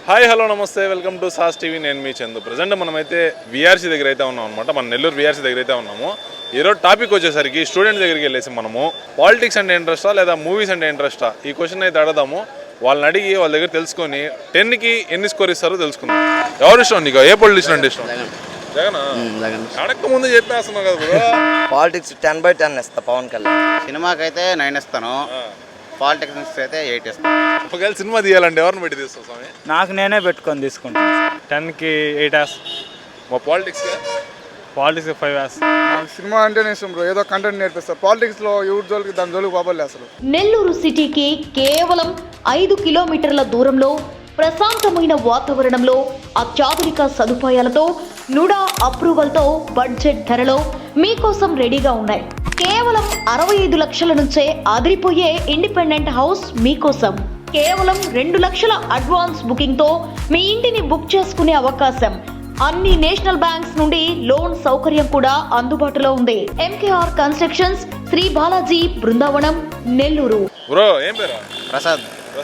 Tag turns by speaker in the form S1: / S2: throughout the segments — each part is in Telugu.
S1: Hi hello namaste welcome to సాస్ టీవీ. నేను మీ చందు. ప్రజెంట్ మనమైతే విఆర్సీ దగ్గర అయితే ఉన్నాం అనమాట. మన నెల్లూరు విఆర్సీ దగ్గర అయితే ఉన్నాము. ఈరోజు టాపిక్ వచ్చేసరికి స్టూడెంట్ దగ్గరికి వెళ్ళేసి మనము పాలిటిక్స్ అంటే ఇంట్రెస్టా లేదా మూవీస్ అంటే ఇంట్రెస్టా ఈ క్వశ్చన్ అయితే అడదాము. వాళ్ళని అడిగి వాళ్ళ దగ్గర తెలుసుకొని 10కి ఎన్ని స్కోర్ ఇస్తారో తెలుసుకుందాం. ఎవరు ఇష్టం నీకు? ఏ పొలిటీషియన్ అంటే ఇష్టం? జగన్. అడక్క ముందు చెప్పేస్తున్నావు కదా బ్రో.
S2: పాలిటిక్స్ 10/10 ఇస్తా పవన్ కళ్యాణ్.
S3: సినిమాకైతే 9 ఇస్తాను, పాలిటిక్స్ అయితే 8 ఇస్తాను.
S1: ఒకవేళ సినిమా తీయాలంటే ఎవరిని పెట్టి తీస్తావు స్వామి?
S4: నాకు నేనే పెట్టుకొని తీసుకుంటాను. 10కి 8 వేస్.
S1: మా పాలిటిక్స్
S4: 5 వేస్.
S5: నాకు సినిమా అంటేనే ఇష్టం బ్రో. ఏదో కంటెంట్ నేర్పిస్తారు. పాలిటిక్స్లో ఎవరి జోలికి దాని జోలికి బాబోలే అసలు.
S6: నెల్లూరు సిటీకి కేవలం 5 కిలోమీటర్ల దూరంలో ప్రశాంతమైన వాతావరణంలో అత్యాధునిక సదుపాయాలతో నుడా అప్రూవల్తో బడ్జెట్ ధరలో మీకోసం రెడీగా ఉన్నాయి. కేవలం 65 లక్షల నుంచే అదిరిపోయే ఇండిపెండెంట్ హౌస్ మీకోసం. కేవలం 2 లక్షల అడ్వాన్స్ బుకింగ్ తో మీ ఇంటిని బుక్ చేసుకునే అవకాశం. అన్ని నేషనల్ బ్యాంక్స్ నుండి లోన్ సౌకర్యం కూడా అందుబాటులో ఉంది. MKR constructions, Shri Balaji, Brindavanam, Nellore.
S1: Bro ఏం పేరు?
S3: ప్రసాద్.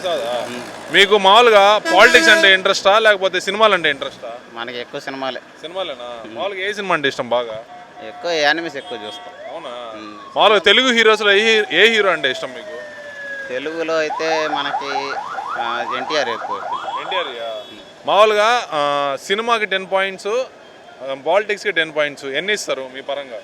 S1: మీకు మామూలుగా పాలిటిక్స్ అంటే ఇంట్రెస్టా లేకపోతే సినిమాలు అంటే ఇంట్రెస్టా?
S3: మనకి ఎక్కువ సినిమాలే.
S1: సినిమాలేనా? మామూలుగా ఏ సినిమా అంటే ఇష్టం బాగా?
S3: ఎక్కువ యానిమేస్ ఎక్కువ చూస్తాం.
S1: అవునా? మామూలుగా తెలుగు హీరోస్లో ఏ హీరో అంటే ఇష్టం మీకు?
S3: తెలుగులో అయితే మనకి ఎన్టీఆర్ ఎక్కువ.
S1: ఎన్టీఆర్. మామూలుగా సినిమాకి 10 పాయింట్స్, పాలిటిక్స్కి 10 పాయింట్స్ ఎన్ని ఇస్తారు మీ పరంగా?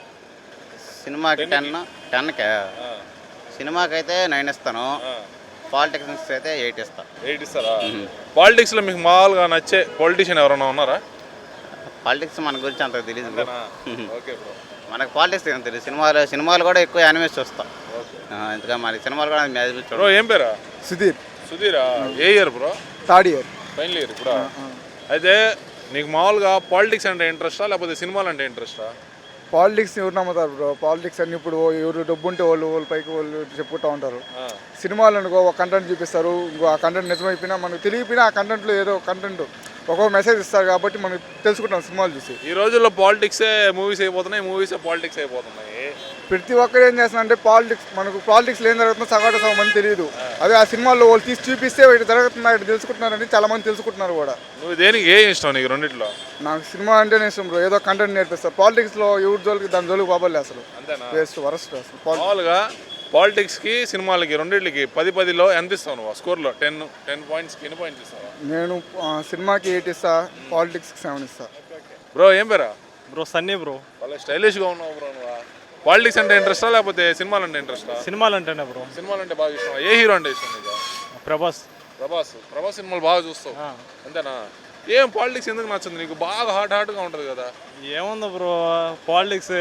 S3: సినిమాకి 10కే. సినిమాకైతే 9 ఇస్తాను, పాలిటిక్స్ అయితే 8 ఇస్తాను.
S1: 8 ఇస్తారా? పాలిటిక్స్లో మీకు మామూలుగా నచ్చే పొలిటీషియన్ ఎవరైనా ఉన్నారా?
S3: పాలిటిక్స్ మన గురించి అంత తెలియదు.
S1: Okay bro.
S3: మనకు పాలిటిక్స్ ఏం తెలియదు. సినిమాలు కూడా ఎక్కువ యానిమేస్ చూస్తాం. ఇంతగా మరి సినిమాలు కూడా
S1: బ్రో ఏం పేరా? సుధీరా. ఏ year bro?
S5: 3rd year,
S1: final year ఇప్పుడు. అయితే నీకు మామూలుగా పాలిటిక్స్ అంటే ఇంట్రెస్టా లేకపోతే సినిమాలు అంటే ఇంట్రెస్టా?
S5: పాలిటిక్స్ ఎవరు నమ్ముతారు బ్రో? పాలిటిక్స్ అన్ని ఇప్పుడు ఎవరు డబ్బు ఉంటే వాళ్ళ పైకి వాళ్ళు చెప్పుకుంటూ ఉంటారు. సినిమాలు అనుకో ఒక కంటెంట్ చూపిస్తారు, ఇంకో ఆ కంటెంట్ నిజమైపోయినా మనకు తెలియపోయినా ఆ కంటెంట్లో ఏదో కంటెంట్ ఒక్కొక్క మెసేజ్ ఇస్తారు కాబట్టి మనం తెలుసుకుంటాం సినిమాలు చూసి.
S1: ఈ రోజుల్లో పాలిటిక్సే మూవీస్ అయిపోతున్నాయి, మూవీసే పాలిటిక్స్ అయిపోతున్నాయి.
S5: ప్రతి ఒక్కరు ఏం చేస్తున్నారంటే మనకు పాలిటిక్స్ ఏం జరుగుతుందో సగం మంది తెలియదు. అదే ఆ సినిమాల్లో వాళ్ళు తీసి చూపిస్తే ఇటు జరుగుతున్నా ఇటు తెలుసుకుంటున్నారని చాలా మంది తెలుసుకుంటున్నారు కూడా.
S1: నువ్వు దేనికి ఏ ఇష్టం నీకు రెండిట్లో?
S5: నాకు సినిమా అంటేనే ఇష్టం బ్రో. ఏదో కంటెంట్ నేర్పిస్తారు. పాలిటిక్స్లో ఎవరి జోలికి దాని జోలికి బాబోలే అసలు.
S1: అంతేనా?
S5: వేస్ట్, వరస్ట్ అసలు.
S1: మామూలుగా పాలిటిక్స్కి సినిమాలకి రెండింటికి 10-10లో ఎంత ఇస్తావు నువ్వు స్కోర్లో? 10 పాయింట్స్కి ఎన్ని పాయింట్స్ ఇస్తావా?
S5: నేను సినిమాకి 8 ఇస్తా, పాలిటిక్స్కి 7 ఇస్తా.
S1: బ్రో ఏం పేరా?
S4: Bro Sunny bro.
S1: వాళ్ళ స్టైలిష్గా ఉన్నావు బ్రో నువ్వు. పాలిటిక్స్ అంటే ఇంట్రెస్టా లేకపోతే సినిమాలు అంటే ఇంట్రెస్టా?
S4: సినిమాలు అంటేనే బ్రో.
S1: సినిమాలు అంటే బాగా ఇష్టం. ఏ హీరో అంటే ఇష్టం నీకు?
S4: ప్రభాస్
S1: సినిమాలు బాగా చూస్తావు అంతేనా? ఏం పాలిటిక్స్ ఎందుకు నచ్చింది నీకు? బాగా హాట్గా ఉంటుంది కదా.
S4: ఏముంది బ్రో, పాలిటిక్స్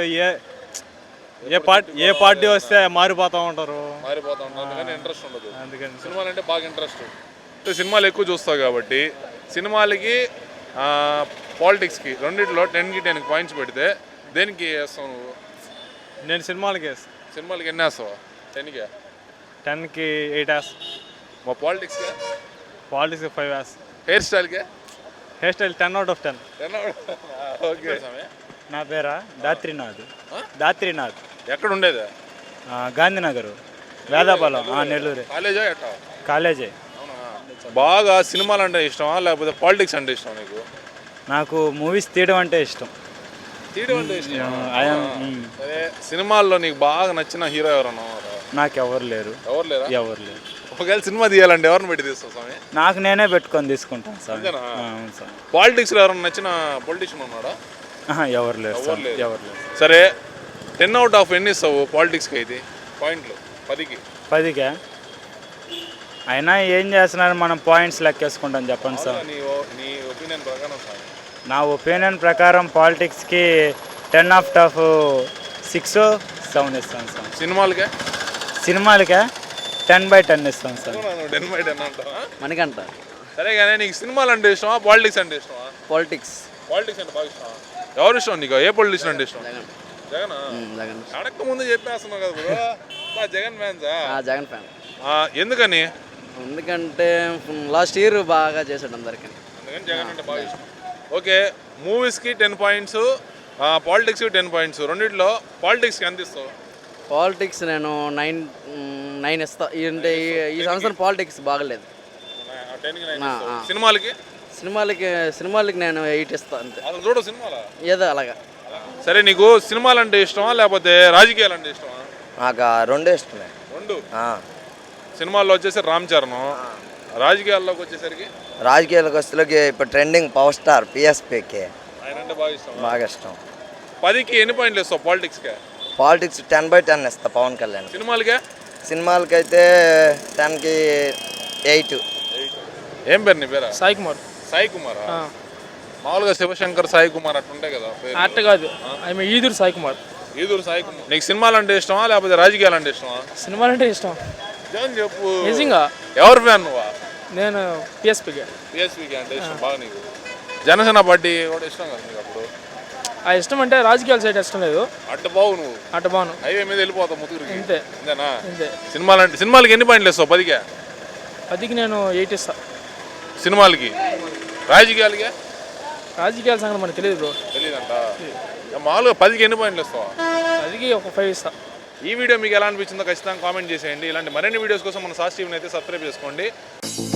S4: ఏ పార్టీ వస్తే మారిపోతూ ఉంటారు
S1: అందుకని ఇంట్రెస్ట్ ఉండదు.
S4: అందుకని
S1: సినిమాలు అంటే బాగా ఇంట్రెస్ట్. సినిమాలు ఎక్కువ చూస్తావు కాబట్టి సినిమాలకి పాలిటిక్స్కి రెండిట్లో 10కి 10 పాయింట్స్ పెడితే దేనికి వేస్తావు నువ్వు?
S4: నేను సినిమాలకి వేస్తాను.
S1: సినిమాలకి ఎన్ని వేస్తావా?
S4: 10కి 8 వేస్.
S1: మా పాలిటిక్స్కి
S4: 5 ways.
S1: Hair style
S4: 10 out of 10.
S1: Okay.
S4: నా పేరా దాత్రినాథ్.
S1: ఎక్కడ ఉండేది?
S4: గాంధీనగర్, వేదాపాలెం, నెల్లూరు.
S1: కాలేజా ఎట్టా?
S4: కాలేజే.
S1: బాగా సినిమాలు అంటే ఇష్టమా లేకపోతే పాలిటిక్స్ అంటే ఇష్టం నీకు?
S4: నాకు మూవీస్ తీయడం అంటే ఇష్టం.
S1: అదే సినిమాల్లో నీకు బాగా నచ్చిన హీరో ఎవరన్నా?
S4: నాకు ఎవరు లేరు.
S1: ఎవరు లేరు. ఒకవేళ సినిమా తీయాలంటే ఎవరిని పెట్టి తీస్తావు స్వామి?
S4: నాకు నేనే పెట్టుకొని తీసుకుంటాను సార్.
S1: పాలిటిక్స్లో ఎవరైనా నచ్చిన పొలిటీషియన్ ఉన్నాడా?
S4: ఎవరు లేరు.
S1: సరే 10 out of ఎన్ని ఇస్తావు పాలిటిక్స్కి? అయితే పాయింట్లు 10కి
S4: అయినా ఏం చేస్తున్నారు, మనం పాయింట్స్ లెక్కేసుకుంటాం. చెప్పండి సార్.
S1: నీ ఒపీనియన్ ప్రకారం?
S4: నా ఒపీనియన్ ప్రకారం పాలిటిక్స్కి 10 out of 6, 7 ఇస్తాను సార్.
S1: సినిమాలకే
S4: 10/10 ఇస్తాను సార్.
S1: 10/10 అంటావా?
S2: మనకంట.
S1: సరే కానీ నీకు సినిమాలు అంటే ఇష్టమా పాలిటిక్స్ అంటే ఇష్టమా?
S2: పాలిటిక్స్
S1: అంటే బాగా ఇష్టమా? ఎవరు ఇష్టం నీకు? ఏ పొలిటీషియన్ అంటే ఇష్టం? జగన్. అడక్క ముందు చెప్పేస్తున్నావు కదా బ్రో. జగన్ ఫ్యాన్సా?
S2: జగన్ ఫ్యాన్.
S1: ఎందుకని?
S2: ఎందుకంటే లాస్ట్ ఇయర్ బాగా చేశాడు అందరికి,
S1: అందుకని జగన్ అంటే బాగా ఇష్టం. ఓకే. మూవీస్కి 10 పాయింట్స్, పాలిటిక్స్కి 10 పాయింట్స్. రెండిట్లో పాలిటిక్స్కి ఎంత ఇస్తావు?
S2: పాలిటిక్స్ నేను 9 ఇస్తా. అంటే ఈ సంవత్సరం పాలిటిక్స్ బాగలేదు.
S1: 10కి 9 ఇస్తావు.
S2: సినిమాలకి నేను 8 ఇస్తాను అంతే,
S1: అసలు చూడు సినిమాలా?
S2: ఏదో అలాగా.
S1: సరే, నీకు సినిమాలు అంటే ఇష్టమా లేకపోతే రాజకీయాలు అంటే ఇష్టమా?
S7: నాకు రెండే ఇష్టమే.
S1: రెండు. సినిమాల్లో వచ్చేసి రామ్ చరణ్, రాజకీయాల్లోకి వచ్చేసరికి
S7: రాజకీయాలకు వస్తులకి ఇప్పుడు ట్రెండింగ్ పవర్ స్టార్ పిఎస్పీకి
S1: ఆయన అంటే బాగా ఇష్టం.
S7: బాగా ఇష్టం.
S1: 10కి ఎన్ని పాయింట్లు ఇస్తావు పాలిటిక్స్కే?
S7: పాలిటిక్స్ 10/10 ఇస్తా పవన్ కళ్యాణ్.
S1: సినిమాలకే?
S7: సినిమాలకైతే 10కి 8.
S1: ఏం పేరు నీ పేరా?
S8: సాయి కుమార్.
S1: సాయి కుమార్. మామూలుగా శివశంకర్ సాయి కుమార్ అట్టుంటాయి కదా పేరు.
S8: అట్ట కాదు, ఆమె ఈదూరు సాయి కుమార్.
S1: ఈదూరు సాయి కుమార్. నీకు సినిమాలు అంటే ఇష్టమా లేకపోతే రాజకీయాలు అంటే ఇష్టమా?
S8: సినిమాలు అంటే ఇష్టం
S1: నిజం చెప్పు.
S8: నిజంగా.
S1: ఎవరు ఫ్యాన్ నువ్వా?
S8: నేను పిఎస్పీకి.
S1: పిఎస్పీకి అంటే ఇష్టం బాగా నీకు. జనసేన పార్టీ కూడా ఇష్టం కదా నీకు అప్పుడు?
S8: ఆ ఇష్టం అంటే రాజకీయాల సైడ్ ఇష్టం లేదు.
S1: అడ్డ బావు నువ్వు.
S8: అట్ట బాను.
S1: హైవే మీద వెళ్ళిపోతావు ముతుగురికి.
S8: అంతే.
S1: అంతేనా?
S8: అంతే.
S1: సినిమాలకి ఎన్ని పాయింట్లు ఇస్తావు 10కే?
S8: 10కి నేను 8 ఇస్తా.
S1: సినిమాలకి. రాజకీయాలకే?
S8: రాజకీయాల సంగతి మనకు తెలియదు బ్రో.
S1: తెలియదంట. మామూలుగా 10కి ఎన్ని పాయింట్లు ఇస్తావా?
S8: 10కి ఒక 5 ఇస్తా.
S1: ఈ వీడియో మీకు ఎలా అనిపించిందో ఖచ్చితంగా కామెంట్ చేసేయండి. ఇలాంటి మరిన్ని వీడియోస్ కోసం మన సాస్ టీవీని అయితే సబ్స్క్రైబ్ చేసుకోండి.